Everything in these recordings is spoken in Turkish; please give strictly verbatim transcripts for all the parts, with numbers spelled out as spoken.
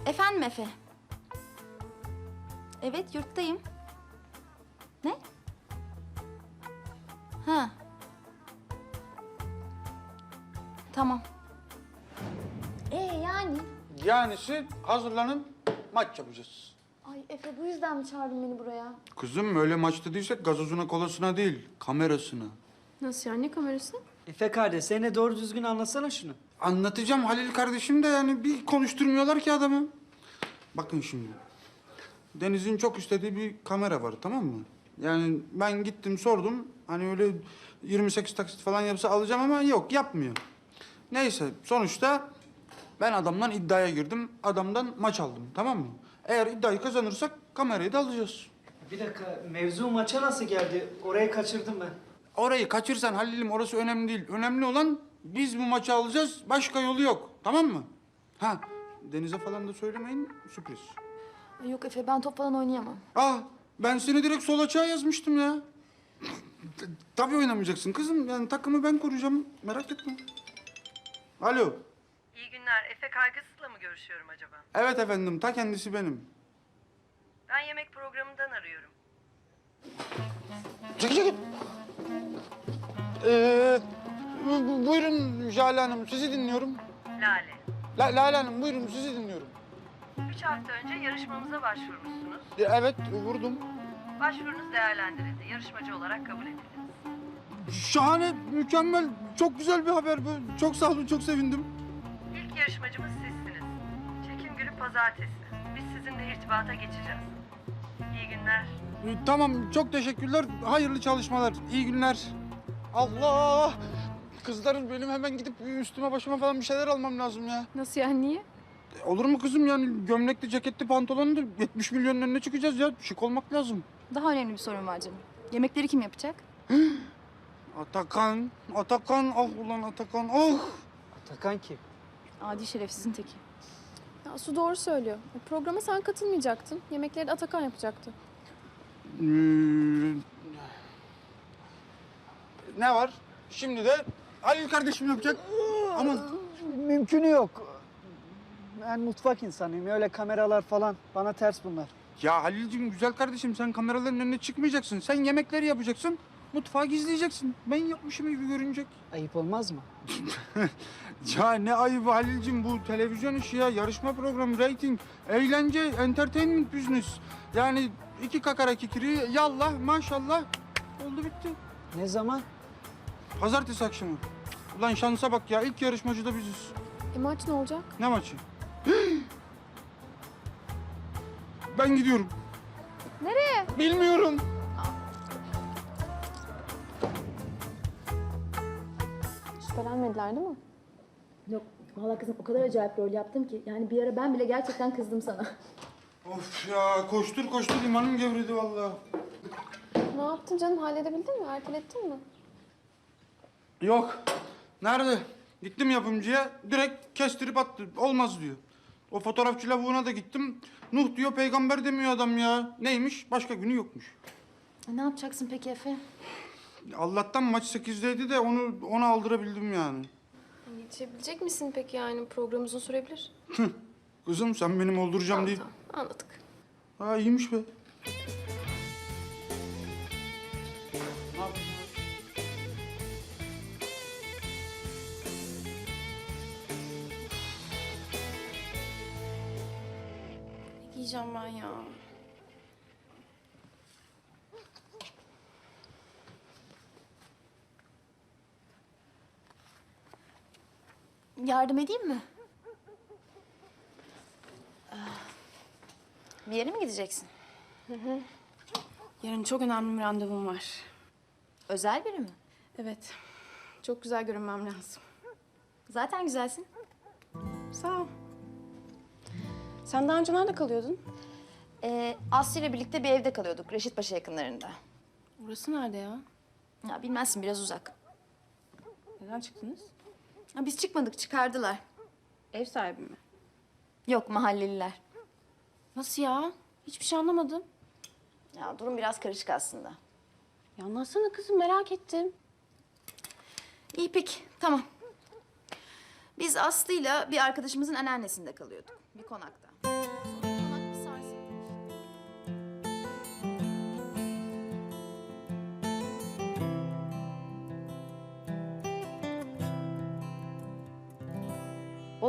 Efendim Efe? Evet, yurttayım. Ne? Ha. Tamam. Ee yani? Yanisi hazırlanın, maç yapacağız. Ay Efe, bu yüzden mi çağırdın beni buraya? Kızım öyle maç dediysek gazozuna kolasına değil, kamerasına. Nasıl yani, ne kamerası? Efe kardeş, sen de doğru düzgün anlatsana şunu. Anlatacağım Halil kardeşim de yani bir konuşturmuyorlar ki adamı. Bakın şimdi. Deniz'in çok istediği bir kamera var, tamam mı? Yani ben gittim sordum. Hani öyle yirmi sekiz taksit falan yapsa alacağım ama yok, yapmıyor. Neyse sonuçta ben adamdan iddiaya girdim. Adamdan maç aldım, tamam mı? Eğer iddiayı kazanırsak kamerayı da alacağız. Bir dakika, mevzu maça nasıl geldi? Orayı kaçırdım ben. Orayı kaçırsan Halil'im orası önemli değil. Önemli olan biz bu maçı alacağız. Başka yolu yok. Tamam mı? Ha, Deniz'e falan da söylemeyin. Sürpriz. Ay yok Efe, ben top falan oynayamam. Ah, ben seni direkt sol açığa yazmıştım ya. T- Tabii oynamayacaksın kızım. Yani takımı ben kuracağım. Merak etme. Alo. İyi günler. Efe Kaygısız'la mı görüşüyorum acaba? Evet efendim. Ta kendisi benim. Ben yemek programından arıyorum. Çekil çekil. Ee, bu- bu- buyurun Jale Hanım. Sizi dinliyorum. Lale. La Lale Hanım buyurun sizi dinliyorum. Üç hafta önce yarışmamıza başvurmuşsunuz. E, Evet vurdum. Başvurunuz değerlendirildi. Yarışmacı olarak kabul edildiniz. Şahane, mükemmel, çok güzel bir haber bu. Çok sağ olun, çok sevindim. İlk yarışmacımız sizsiniz. Çekim günü pazartesi. Biz sizinle irtibata geçeceğiz. İyi günler. Ee, Tamam, çok teşekkürler. Hayırlı çalışmalar, iyi günler. Allah! Kızlarım benim hemen gidip üstüme başıma falan bir şeyler almam lazım ya. Nasıl yani, niye? E, Olur mu kızım yani gömlekli, ceketli, pantolonlu yetmiş milyonun önüne çıkacağız ya. Şık olmak lazım. Daha önemli bir sorun var canım. Yemekleri kim yapacak? Atakan, Atakan, ah ulan Atakan, ah! Atakan kim? Adi şerefsizin teki. Ya Su doğru söylüyor. E, programa sen katılmayacaktın. Yemekleri de Atakan yapacaktı. Ee, ne var? Şimdi de Halil kardeşim yapacak. Aman. Mümkünü yok. Ben mutfak insanıyım. Öyle kameralar falan bana ters bunlar. Ya Halil'cim güzel kardeşim sen kameraların önüne çıkmayacaksın. Sen yemekleri yapacaksın. Mutfağı gizleyeceksin. Ben yapmışım gibi görünecek. Ayıp olmaz mı? Ya ne ayıbı Halil'cim bu televizyon işi ya. Yarışma programı, rating, eğlence, entertainment business. Yani iki kakara kikiri yallah maşallah oldu bitti. Ne zaman? Pazartesi akşamı. Ulan şansa bak ya ilk yarışmacı da biziz. E maç ne olacak? Ne maçı? Ben gidiyorum. Nereye? Bilmiyorum. Şüphelenmediler değil mi? Yok, vallahi kızım o kadar acayip rol yaptım ki. Yani bir ara ben bile gerçekten kızdım sana. Of ya koştur koştur imanım gevredi vallahi. Ne yaptın canım? Halledebildin mi? Ertelettin mi? Yok. Nerede? Gittim yapımcıya direkt kestirip attı. Olmaz diyor. O fotoğrafçı lavuğuna da gittim. Nuh diyor peygamber demiyor adam ya. Neymiş? Başka günü yokmuş. E, ne yapacaksın peki Efe? Allah'tan maç sekizdeydi de onu ona aldırabildim yani. Yetişebilecek misin peki yani? Program uzun sürebilir. Kızım sen benim olduracağım Tamam, deyip. tamam. Anladık. Ha iyiymiş be. Ne giyeceğim ben ya? Yardım edeyim mi? Ah. Bir yere mi gideceksin? Yarın çok önemli bir randevum var. Özel biri mi? Evet. Çok güzel görünmem lazım. Zaten güzelsin. Sağ ol. Sen daha önce nerede kalıyordun? Ee, Aslı ile birlikte bir evde kalıyorduk Reşitpaşa yakınlarında. Orası nerede ya? Ya bilmezsin biraz uzak. Neden çıktınız? Ya biz çıkmadık çıkardılar. Ev sahibi mi? Yok mahalleliler. Nasıl ya? Hiçbir şey anlamadım. Ya durum biraz karışık aslında. Ya anlatsana kızım, merak ettim. İyi peki tamam. Biz Aslı'yla bir arkadaşımızın anneannesinde kalıyorduk bir konakta.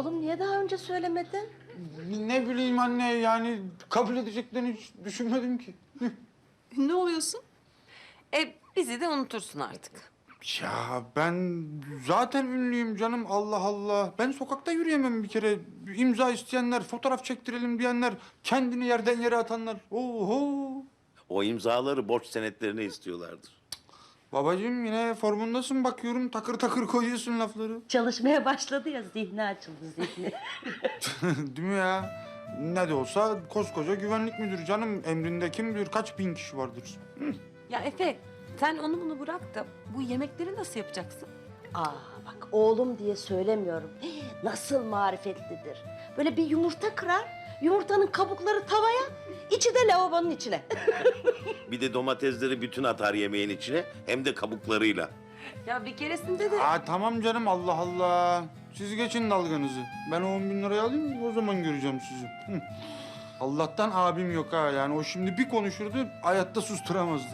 Oğlum niye daha önce söylemedin? Ne bileyim anne, yani kabul edeceklerini hiç düşünmedim ki. Ne oluyorsun? E bizi de unutursun artık. Ya ben zaten ünlüyüm canım, Allah Allah. Ben sokakta yürüyemem bir kere. İmza isteyenler, fotoğraf çektirelim diyenler, kendini yerden yere atanlar. Oho! O imzaları borç senetlerine istiyorlardır. Babacığım yine formundasın bakıyorum, takır takır koyuyorsun lafları. Çalışmaya başladı ya, zihni açıldı zihni. Değil mi ya? Ne de olsa koskoca güvenlik müdürü canım. Emrinde kim bilir kaç bin kişi vardır. Ya Efe, sen onu bunu bırak da bu yemekleri nasıl yapacaksın? Aa bak, oğlum diye söylemiyorum. Nasıl marifetlidir. Böyle bir yumurta kırar, yumurtanın kabukları tavaya, içi de lavabonun içine. Bir de domatesleri bütün atar yemeğin içine, hem de kabuklarıyla. Ya bir keresinde de... Aa tamam canım, Allah Allah. Siz geçin dalganızı. Ben o on bin lirayı alayım, o zaman göreceğim sizi. Hı. Allah'tan abim yok ha. Yani o şimdi bir konuşurdu, hayatta susturamazdık.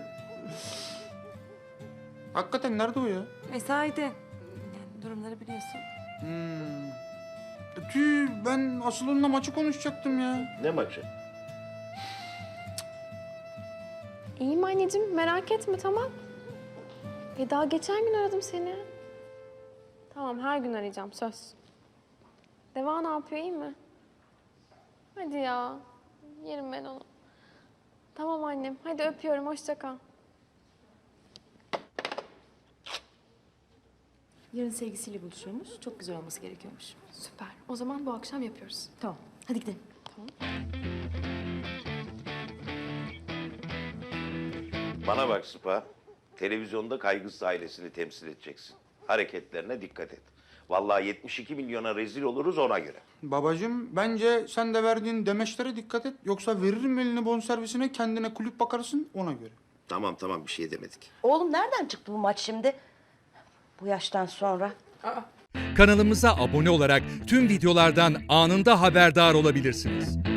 Hakikaten nerede o ya? Mesaide. Yani durumları biliyorsun. Hmm. E, Tüh, ben asıl onunla maçı konuşacaktım ya. Ne maçı? İyiyim anneciğim, merak etme, tamam. E daha geçen gün aradım seni. Tamam, her gün arayacağım, söz. Deva ne yapıyor, iyi mi? Hadi ya, yerim ben onu. Tamam annem, hadi öpüyorum, hoşça kal. Yarın sevgisiyle buluşuyormuş. Çok güzel olması gerekiyormuş. Süper, o zaman bu akşam yapıyoruz. Tamam. Hadi gidelim. Bana bak Sıpa, televizyonda kaygısız ailesini temsil edeceksin. Hareketlerine dikkat et. Vallahi yetmiş iki milyona rezil oluruz ona göre. Babacığım, bence sen de verdiğin demeçlere dikkat et. Yoksa veririm elini bonservisine, kendine kulüp bakarsın, ona göre. Tamam tamam, bir şey demedik. Oğlum nereden çıktı bu maç şimdi? Bu yaştan sonra. Kanalımıza abone olarak tüm videolardan anında haberdar olabilirsiniz.